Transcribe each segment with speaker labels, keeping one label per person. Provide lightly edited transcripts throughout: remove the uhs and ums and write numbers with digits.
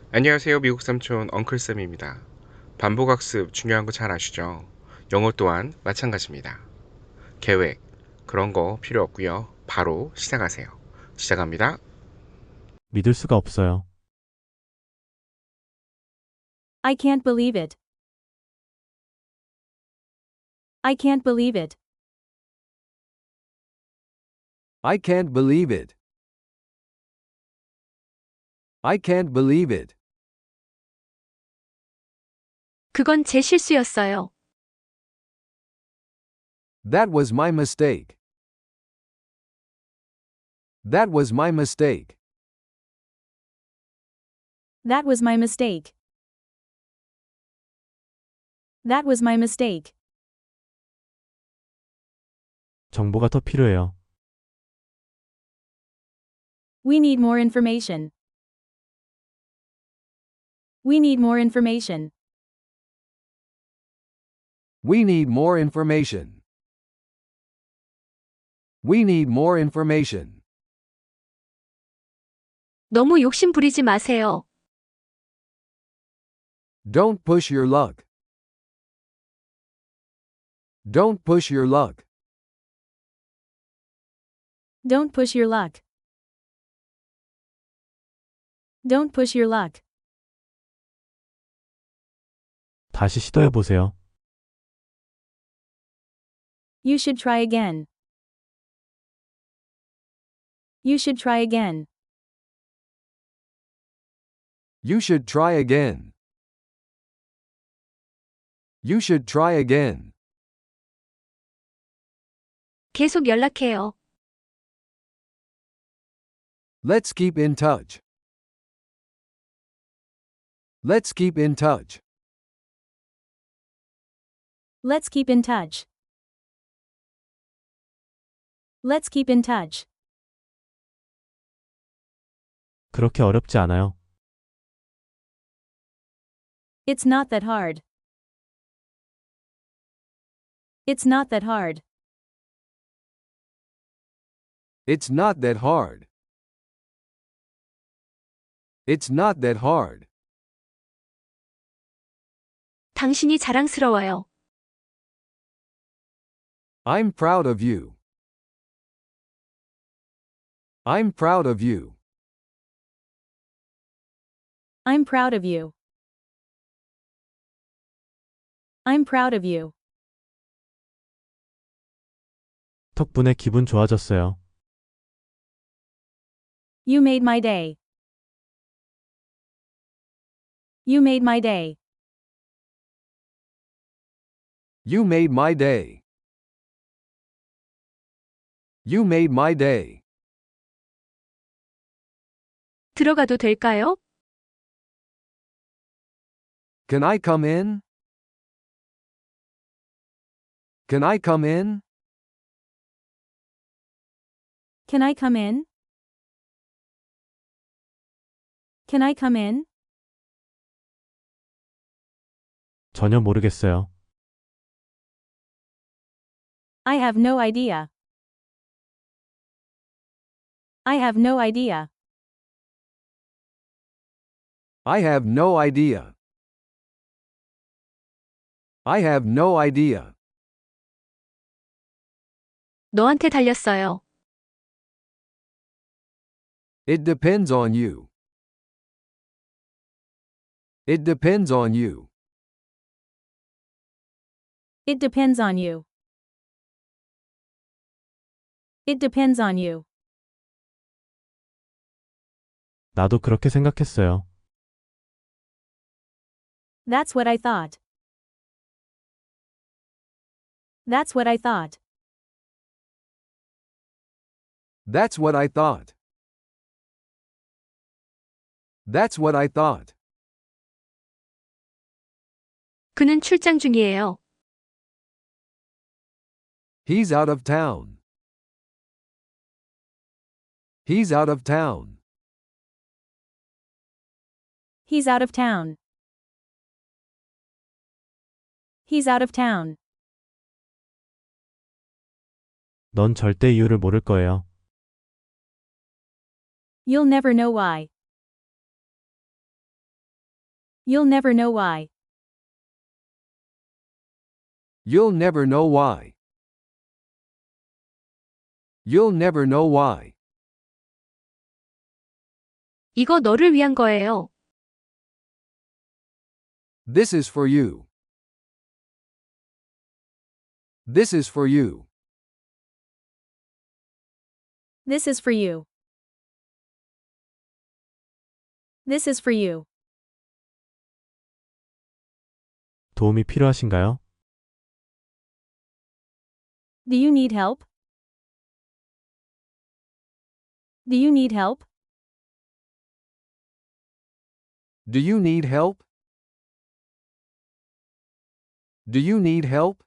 Speaker 1: 안녕하세요. 미국 삼촌 엉클쌤입니다. 반복학습 중요한 거 잘 아시죠? 영어 또한 마찬가지입니다. 계획, 그런 거 필요 없고요. 바로 시작하세요. 시작합니다.
Speaker 2: 믿을 수가 없어요.
Speaker 3: I can't believe it. I can't believe it.
Speaker 4: I can't believe it. I can't believe it.
Speaker 5: 그건 제 실수였어요.
Speaker 4: That was my mistake. That was my mistake.
Speaker 3: That was my mistake. That was my mistake.
Speaker 2: 정보가 더 필요해요.
Speaker 3: We need more information. We need more information.
Speaker 4: We need more information. We need more information.
Speaker 5: 너무 욕심 부리지 마세요.
Speaker 4: Don't push your luck. Don't push your luck.
Speaker 3: Don't push your luck. Don't push your luck.
Speaker 2: 다시 시도해 보세요.
Speaker 3: You should try again. You should try again.
Speaker 4: You should try again. You should try again.
Speaker 5: 계속 연락해요.
Speaker 4: Let's keep in touch. Let's keep in touch.
Speaker 3: Let's keep in touch. Let's keep in touch.
Speaker 2: 그렇게 어렵지 않아요.
Speaker 3: It's not that hard. It's not that hard.
Speaker 4: It's not that hard. It's not that hard.
Speaker 5: 당신이 자랑스러워요.
Speaker 4: I'm proud of you. I'm proud of you.
Speaker 3: I'm proud of you. I'm proud of you.
Speaker 2: 덕분에 기분 좋아졌어요.
Speaker 3: You made my day. You made my day.
Speaker 4: You made my day. You made my day.
Speaker 5: 들어가도 될까요?
Speaker 4: Can I come in? Can I come in?
Speaker 3: Can I come in? Can I come in?
Speaker 2: 전혀 모르겠어요.
Speaker 3: I have no idea. I have no idea.
Speaker 4: I have no idea. I have no idea.
Speaker 5: 너한테 달렸어요.
Speaker 4: It depends on you. It depends on you.
Speaker 3: It depends on you. It depends on you.
Speaker 2: 나도 그렇게 생각했어요.
Speaker 3: That's what I thought. That's what I thought.
Speaker 4: That's what I thought. That's what I thought.
Speaker 5: 그는 출장 중이에요.
Speaker 4: He's out of town. He's out of town.
Speaker 3: He's out of town. He's out of town.
Speaker 2: 넌 절대 이유를 모를 거예요.
Speaker 3: You'll never know why. You'll never know why.
Speaker 4: You'll never know why. You'll never know why.
Speaker 5: 이거 너를 위한 거예요.
Speaker 4: This is for you. This is for you.
Speaker 3: This is for you. This is for you.
Speaker 2: 도움이 필요하신가요?
Speaker 3: Do you need help? Do you need help?
Speaker 4: Do you need help? Do you need help?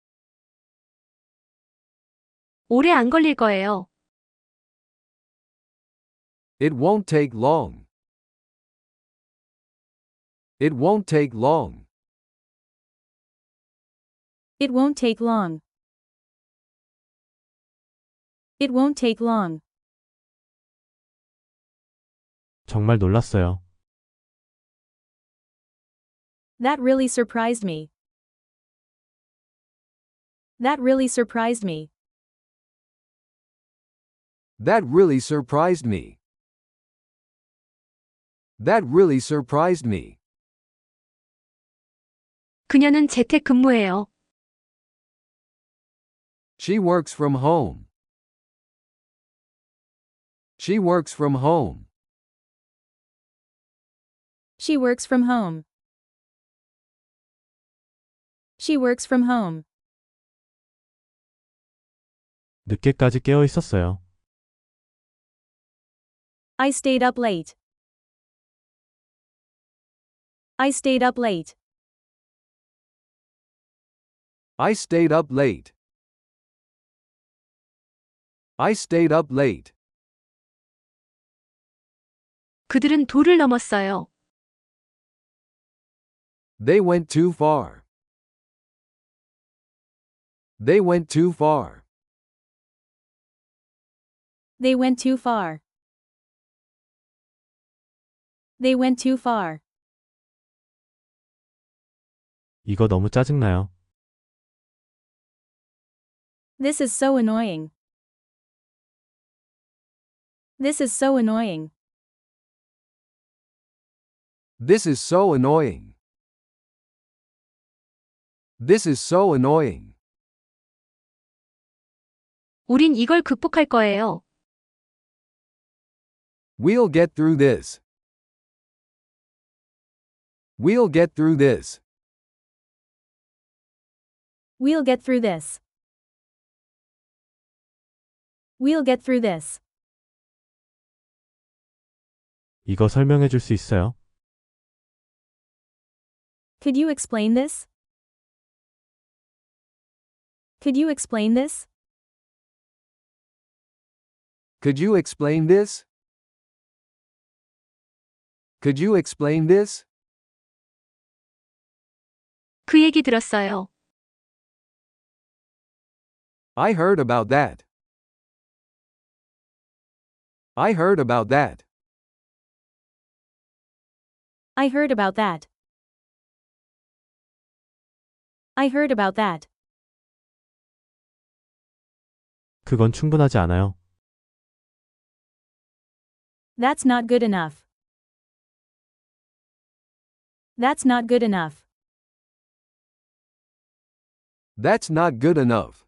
Speaker 5: 오래 안 걸릴 거예요.
Speaker 4: It won't take long. It won't take long.
Speaker 3: It won't take long. It won't take long.
Speaker 2: 정말 놀랐어요.
Speaker 3: That really surprised me. That really surprised me.
Speaker 4: That really surprised me. That really surprised me.
Speaker 5: 그녀는 재택근무해요.
Speaker 4: She works from home. She works from home.
Speaker 3: She works from home. She works from home.
Speaker 2: 늦게까지 깨어 있었어요.
Speaker 3: I stayed up late. I stayed up late.
Speaker 4: I stayed up late. I stayed up late.
Speaker 5: 그들은 도를 넘었어요.
Speaker 4: They went too far. They went too far.
Speaker 3: They went too far. They went too far.
Speaker 2: 이거 너무 짜증나요.
Speaker 3: This is so annoying. This is so annoying.
Speaker 4: This is so annoying. This is so annoying.
Speaker 5: 우린 이걸 극복할 거예요.
Speaker 4: We'll get through this. We'll get through this.
Speaker 3: We'll get through this. We'll get through this.
Speaker 2: 이거 설명해 줄 수 있어요?
Speaker 3: Could you explain this? Could you explain this?
Speaker 4: Could you explain this? Could you explain this?
Speaker 5: 그 얘기 들었어요.
Speaker 4: I heard about that. I heard about that.
Speaker 3: I heard about that. I heard about that.
Speaker 2: 그건 충분하지 않아요.
Speaker 3: That's not good enough. That's not good enough.
Speaker 4: That's not good enough.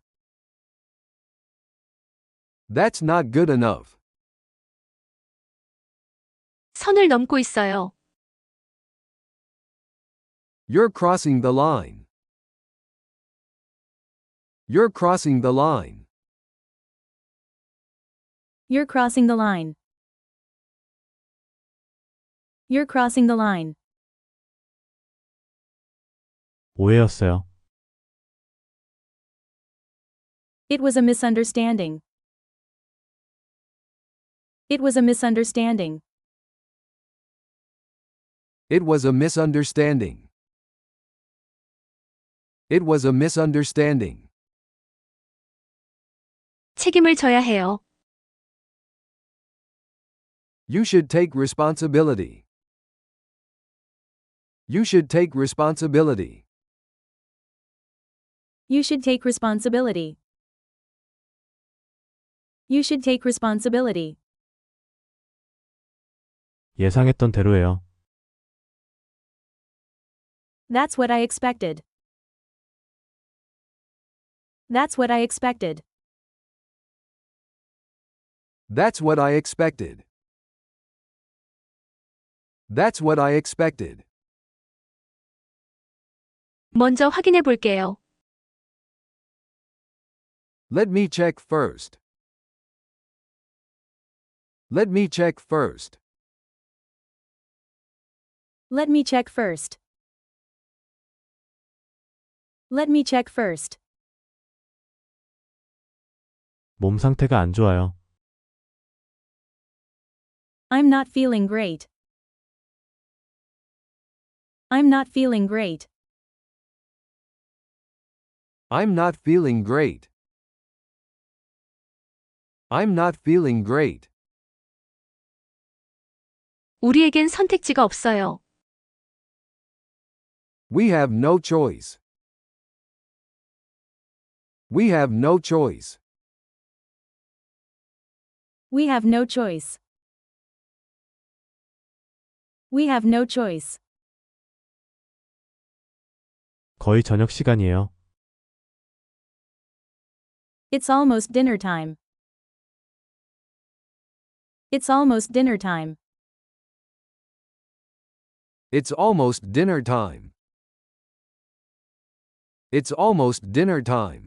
Speaker 4: That's not good enough.
Speaker 5: 선을 넘고 있어요.
Speaker 4: You're crossing the line. You're crossing the line.
Speaker 3: You're crossing the line. You're crossing the line.
Speaker 2: 오해였어요.
Speaker 3: It was a misunderstanding. It was a misunderstanding.
Speaker 4: It was a misunderstanding. It was a misunderstanding.
Speaker 5: 책임을 져야 해요.
Speaker 4: You should take responsibility. You should take responsibility.
Speaker 3: You should take responsibility. You should take responsibility.
Speaker 2: 예상했던 대로예요.
Speaker 3: That's what I expected. That's what I expected.
Speaker 4: That's what I expected. That's what I expected.
Speaker 5: 먼저 확인해 볼게요.
Speaker 4: Let me check first. Let me check first.
Speaker 3: Let me check first. Let me check first.
Speaker 2: 몸 상태가 안 좋아요.
Speaker 3: I'm not feeling great. I'm not feeling great.
Speaker 4: I'm not feeling great. I'm not feeling great.
Speaker 5: 우리에겐 선택지가 없어요.
Speaker 4: We have no choice. We have no choice.
Speaker 3: We have no choice. We have no choice.
Speaker 2: 거의 저녁 시간이에요.
Speaker 3: It's almost dinner time. It's almost dinner time.
Speaker 4: It's almost dinner time. It's almost dinner time.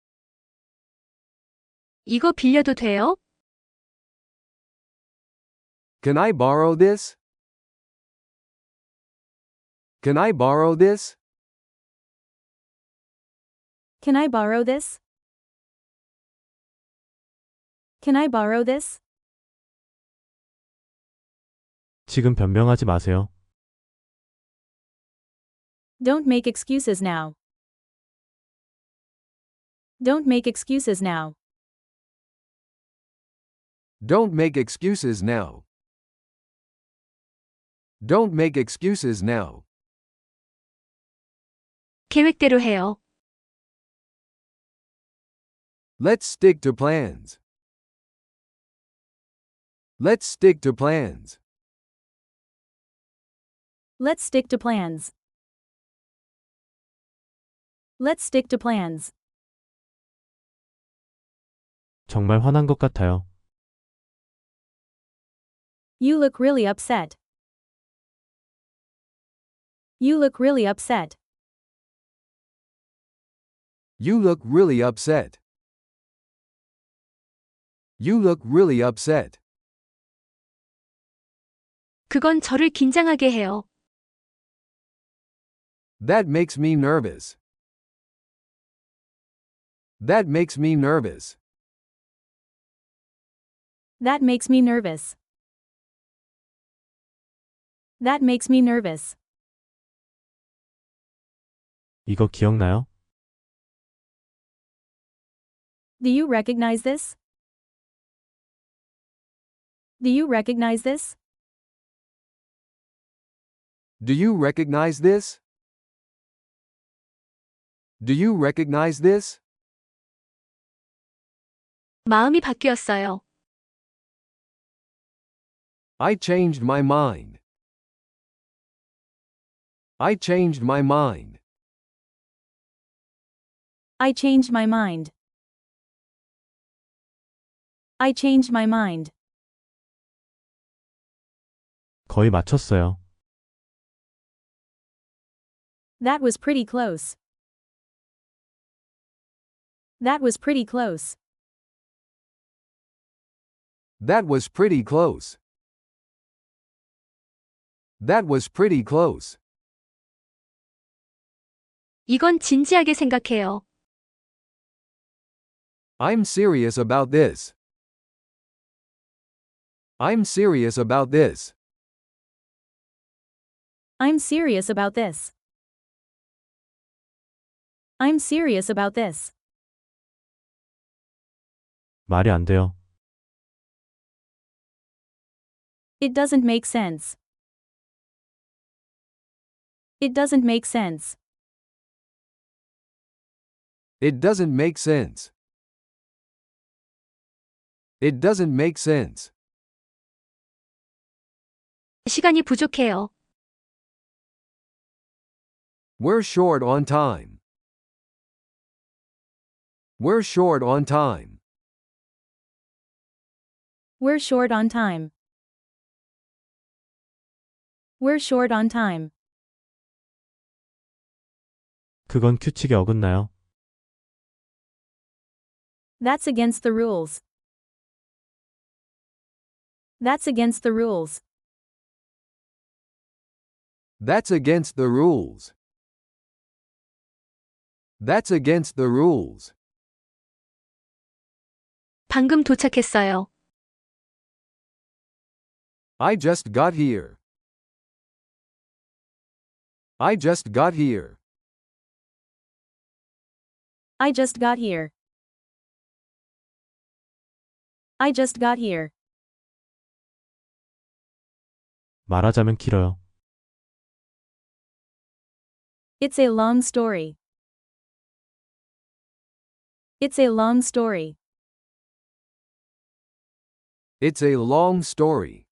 Speaker 5: 이거 빌려도 돼요?
Speaker 4: Can I borrow this? Can I borrow this?
Speaker 3: Can I borrow this? Can I borrow this?
Speaker 2: 지금 변명하지 마세요.
Speaker 3: Don't make excuses now. Don't make excuses now.
Speaker 4: Don't make excuses now. Don't make excuses now.
Speaker 5: 계획대로 해요.
Speaker 4: Let's stick to plans. Let's stick to plans.
Speaker 3: Let's stick to plans. Let's stick to plans.
Speaker 2: 정말 화난 것 같아요.
Speaker 3: You look really upset. You look really upset.
Speaker 4: You look really upset. You look really upset.
Speaker 5: 그건 저를 긴장하게 해요.
Speaker 4: That makes me nervous. That makes me nervous.
Speaker 3: That makes me nervous. That makes me nervous.
Speaker 2: 이거 기억나요?
Speaker 3: Do you recognize this? Do you recognize this?
Speaker 4: Do you recognize this? Do you recognize this?
Speaker 5: 마음이 바뀌었어요.
Speaker 4: I changed my mind. I changed my mind.
Speaker 3: I changed my mind. I changed my mind.
Speaker 2: 거의 맞췄어요.
Speaker 3: That was pretty close. That was pretty close.
Speaker 4: That was pretty close. That was pretty close.
Speaker 5: 이건 진지하게 생각해요.
Speaker 4: I'm serious about this. I'm serious about this.
Speaker 3: I'm serious about this. I'm serious about this.
Speaker 2: 말이 안 돼요.
Speaker 3: It doesn't make sense. It doesn't make sense.
Speaker 4: It doesn't make sense. It doesn't make sense.
Speaker 5: 시간이 부족해요.
Speaker 4: We're short on time. We're short on time.
Speaker 3: We're short on time. We're short on time.
Speaker 2: 그건 규칙에 어긋나요.
Speaker 3: That's against the rules. That's against the rules.
Speaker 4: That's against the rules. That's against the rules.
Speaker 5: 방금 도착했어요.
Speaker 4: I just got here. I just got here.
Speaker 3: I just got here. I just got here.
Speaker 2: 말하자면 길어요.
Speaker 3: It's a long story. It's a long story.
Speaker 4: It's a long story.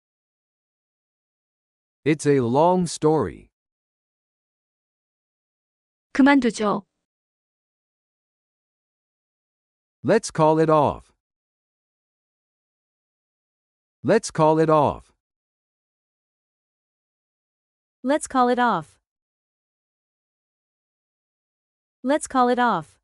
Speaker 4: It's a long story.
Speaker 5: 그만두죠.
Speaker 4: Let's call it off. Let's call it off.
Speaker 3: Let's call it off. Let's call it off.